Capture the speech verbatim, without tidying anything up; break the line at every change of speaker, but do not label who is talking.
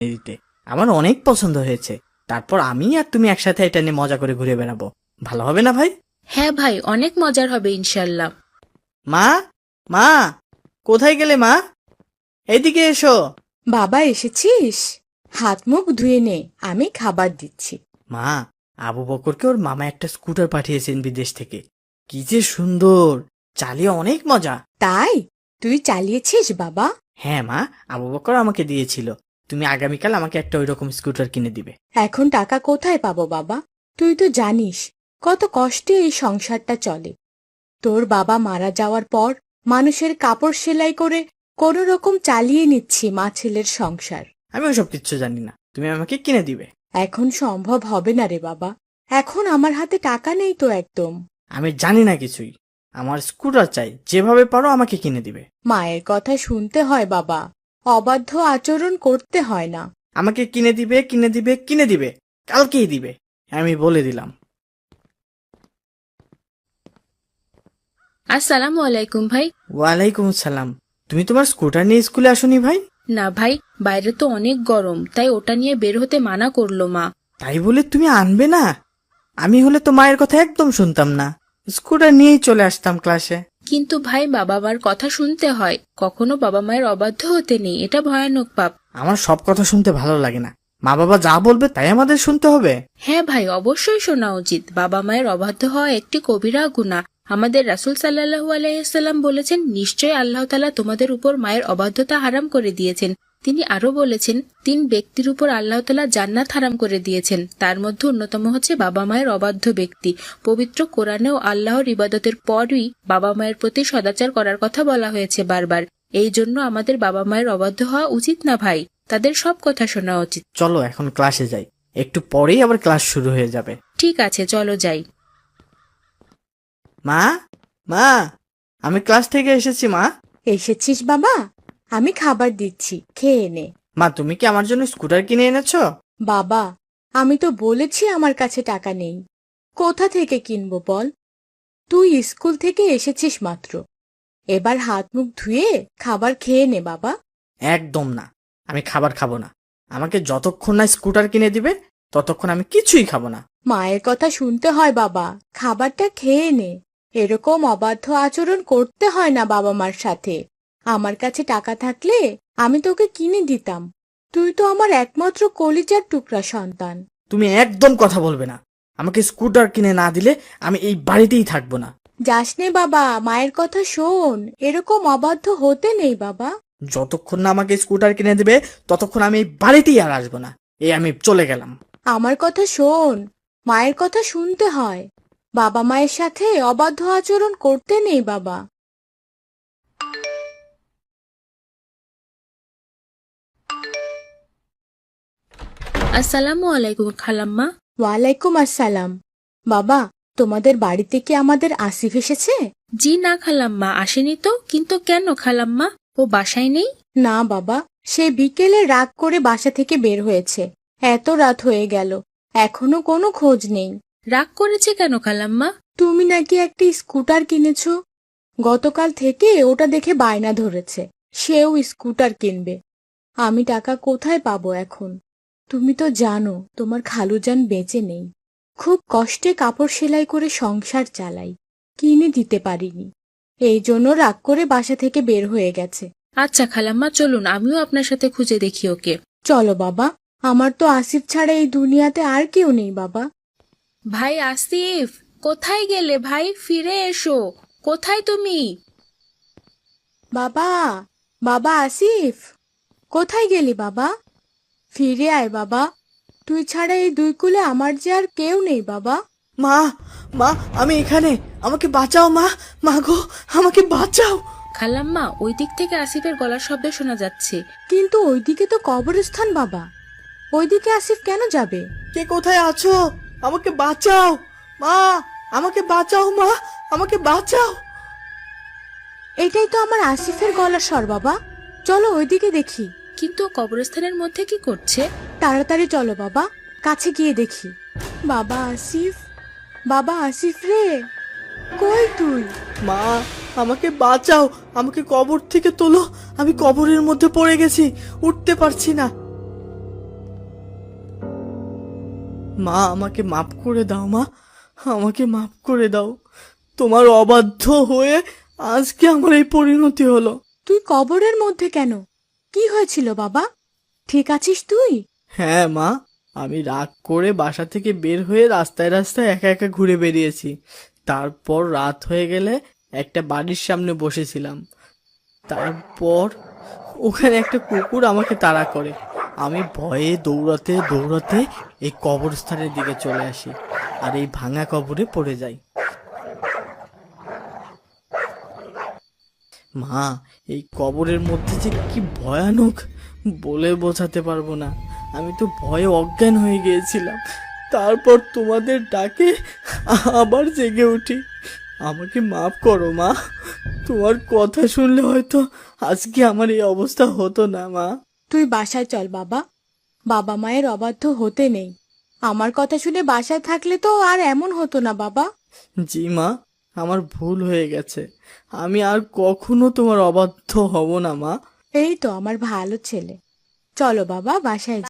দিতে আমার অনেক পছন্দ হয়েছে। তারপর আমি আর তুমি একসাথে এটা নিয়ে মজা করে ঘুরে বেড়াবো। ভালো হবে না ভাই?
হ্যাঁ ভাই, অনেক মজার হবে ইনশাল্লাহ।
মা, মা, কোথায় গেলে মা? এইদিকে এসো।
বাবা এসেছিস? হাত মুখ ধুয়ে নে, আমি খাবার দিচ্ছি।
মা, আবু বকরকে ওর মামা একটা স্কুটার পাঠিয়েছেন বিদেশ থেকে। কি যে সুন্দর, চালিয়ে অনেক মজা।
তাই তুই চালিয়েছিস বাবা?
হ্যাঁ মা, আবু বকর আমাকে দিয়েছিল। তুমি আগামীকাল আমাকে একটা ওইরকম স্কুটার কিনে দিবে।
এখন টাকা কোথায় পাবো বাবা? তুই তো জানিস কত কষ্টে এই সংসারটা চলে। তোর বাবা মারা যাওয়ার পর মানুষের কাপড় সেলাই করে কোনো রকম চালিয়ে নিচ্ছি মা ছেলের সংসার।
আমি ওসব কিচ্ছু জানি না, তুমি আমাকে কিনে দিবে।
এখন সম্ভব হবে না রে বাবা, এখন আমার হাতে টাকা নেই তো একদম।
আমি জানি না কিছুই, আমার স্কুটার চাই, যেভাবে পারো আমাকে কিনে দিবে।
মায়ের কথা শুনতে হয় বাবা, অবাধ্য আচরণ করতে হয় না।
আমাকে কিনে দিবে, কিনে দিবে, কিনে দিবে, কালকেই দিবে, আমি বলে দিলাম।
আসসালামু আলাইকুম ভাই।
ওয়ালাইকুম আসসালাম। তুমি তোমার স্কুটার নিয়ে স্কুলে আসোনি ভাই?
না ভাই, বাইরে তো অনেক গরম, তাই ওটা নিয়ে বের হতে মানা করলো মা।
তাই বলে তুমি আনবে না? আমি হলে তো মায়ের কথা একদম শুনতাম না, স্কুটার নিয়েই চলে আসতাম ক্লাসে।
কিন্তু ভাই, বাবা মার কথা শুনতে হয়, কখনো বাবা মায়ের অবাধ্য হতে নেই, এটা ভয়ানক পাপ।
আমার সব কথা শুনতে ভালো লাগে না, মা বাবা যা বলবে তাই আমাদের শুনতে হবে।
হ্যাঁ ভাই, অবশ্যই শোনা উচিত। বাবা মায়ের অবাধ্য হওয়া একটি কবিরা গুনাহ। আমাদের রাসূল সাল্লাল্লাহু আলাইহি সাল্লাম বলেছেন, নিশ্চয়ই আল্লাহ তাআলা তোমাদের উপর মায়ের অবাধ্যতা হারাম করে দিয়েছেন। তিনি আরো বলেছেন, তিন ব্যক্তির উপর আল্লাহ তাআলা জান্নাত হারাম করে দিয়েছেন, তার মধ্যে অন্যতম হচ্ছে বাবা মায়ের অবাধ্য ব্যক্তি। পবিত্র কোরআনেও আল্লাহর ইবাদতের পরই বাবা মায়ের প্রতি সদাচার করার কথা বলা হয়েছে বারবার। এই জন্য আমাদের বাবা মায়ের অবাধ্য হওয়া উচিত না ভাই, তাদের সব কথা শোনা উচিত।
চলো এখন ক্লাসে যাই, একটু পরেই আবার ক্লাস শুরু হয়ে যাবে।
ঠিক আছে, চলো যাই।
মা, মা, আমি ক্লাস থেকে এসেছি মা।
এসেছিস বাবা? আমি খাবার দিচ্ছি, খেয়ে নে।
মা, তুমি কি আমার জন্য স্কুটার কিনে এনেছো?
বাবা, আমি তো বলেছি আমার কাছে টাকা নেই, কোথা থেকে কিনবো বল? তুই স্কুল থেকে এসেছিস মাত্র, এবার হাত মুখ ধুয়ে খাবার খেয়ে নে বাবা।
একদম না, আমি খাবার খাবো না। আমাকে যতক্ষণ না স্কুটার কিনে দিবে ততক্ষণ আমি কিছুই খাবো না।
মায়ের কথা শুনতে হয় বাবা, খাবারটা খেয়ে নে। এরকম অবাধ্য আচরণ করতে হয় না বাবা মার সাথে। আমার কাছে টাকা থাকলে আমি তোকে কিনে দিতাম, তুই তো আমার একমাত্র কলিজার টুকরা সন্তান।
তুমি একদম কথা বলবে না, আমাকে স্কুটার কিনে না দিলে আমি এই বাড়িতেই থাকবো না।
যাস নে বাবা, মায়ের কথা শোন, এরকম অবাধ্য হতে নেই বাবা।
যতক্ষণ না আমাকে স্কুটার কিনে দেবে ততক্ষণ আমি এই বাড়িতেই আর আসবো না। এই আমি চলে গেলাম।
আমার কথা শোন, মায়ের কথা শুনতে হয়, বাবা মায়ের সাথে অবাধ্য আচরণ করতে নেই বাবা।
আসসালামু আলাইকুম খালাম্মা।
ওয়ালাইকুম আসসালাম। বাবা, তোমাদের বাড়িতে কি আমাদের আসিফ এসেছে?
জি না খালাম্মা, আসেনি তো। কিন্তু কেন খালাম্মা, ও বাসায় নেই?
না বাবা, সে বিকেলে রাগ করে বাসা থেকে বের হয়েছে, এত রাত হয়ে গেল, এখনো কোনো খোঁজ নেই।
রাগ করেছে কেন খালাম্মা?
তুমি নাকি একটি স্কুটার কিনেছো, গতকাল থেকে ওটা দেখে বায়না ধরেছে, সেও স্কুটার কিনবে। আমি টাকা কোথায় পাবো এখন? তুমি তো জানো তোমার খালুজান বেঁচে নেই, খুব কষ্টে কাপড় সেলাই করে সংসার চালাই, কিনে দিতে পারিনি, এই জন্য রাগ করে বাসা থেকে বের হয়ে গেছে।
আচ্ছা খালাম্মা, চলুন আমিও আপনার সাথে খুঁজে দেখি ওকে।
চলো বাবা, আমার তো আসিফ ছাড়া এই দুনিয়াতে আর কেউ নেই বাবা।
ভাই আসিফ, কোথায় গেলে ভাই? ফিরে এসো, কোথায় তুমি?
বাবা, বাবা আসিফ, কোথায় গেলি বাবা? ফিরে আয় বাবা, তুই ছাড়া এই দুই কুলে আমার যে আর কেউ নেই বাবা।
মা, মা, আমি এখানে, আমাকে বাঁচাও মা। মা গো, আমাকে বাঁচাও।
খালাম্মা, ওই দিক থেকে আসিফের গলার শব্দ শোনা যাচ্ছে।
কিন্তু ওইদিকে তো কবরস্থান বাবা, ওইদিকে আসিফ কেন যাবে?
কে কোথায় আছো? আমাকে বাঁচাও মা, আমাকে বাঁচাও মা, আমাকে বাঁচাও।
এটাই তো আমার আসিফের গলার স্বর বাবা, চলো ওইদিকে দেখি।
কিন্তু ও কবরস্থানের মধ্যে কি করছে?
তাড়াতাড়ি চলো বাবা, কাছে গিয়ে দেখি। বাবা আসিফ, বাবা আসিফ রে, কই তুই?
মা, আমাকে বাঁচাও, আমাকে কবর থেকে তোলো, আমি কবরের মধ্যে পড়ে গেছি, উঠতে পারছি না। মা আমাকে মাফ করে দাও মা, আমাকে মাফ করে দাও। তোমার অবাধ্য হয়ে আজকে আমার এই পরিণতি হলো।
তুই কবরের মধ্যে কেন? কি হয়েছিল বাবা? ঠিক আছিস তুই?
হ্যাঁ মা, আমি রাগ করে বাসা থেকে বের হয়ে রাস্তায় রাস্তায় একা একা ঘুরে বেরিয়েছি। তারপর রাত হয়ে গেলে একটা বাড়ির সামনে বসেছিলাম। তারপর ওখানে একটা কুকুর আমাকে তাড়া করে। আমি ভয়ে দৌড়াতে দৌড়াতে এই কবরস্থানের দিকে চলে আসি, আর এই ভাঙা কবরে পড়ে যাই। মা, এই কবরের মধ্যে যে কি ভয়ানক বলে বোঝাতে পারবো না। আমি তো ভয়ে অজ্ঞান হয়ে গিয়েছিলাম। তারপর তোমাদের ডাকে আবার জেগে উঠি। আমাকে মাফ করো মা, তোমার কথা শুনলে হয়তো আজকে আমার এই অবস্থা হতো না মা।
তুই বাসায় চল বাবা, বাবা মায়ের অবাধ্য হতে নেই। আমার কথা শুনে বাসায় থাকলে তো আর এমন হতো না বাবা।
জি মা, আমার ভুল হয়ে গেছে। আমি আর কখনো তোমার অবাধ্য হব না মা।
এই তো আমার ভালো ছেলে। চলো বাবা বাসায়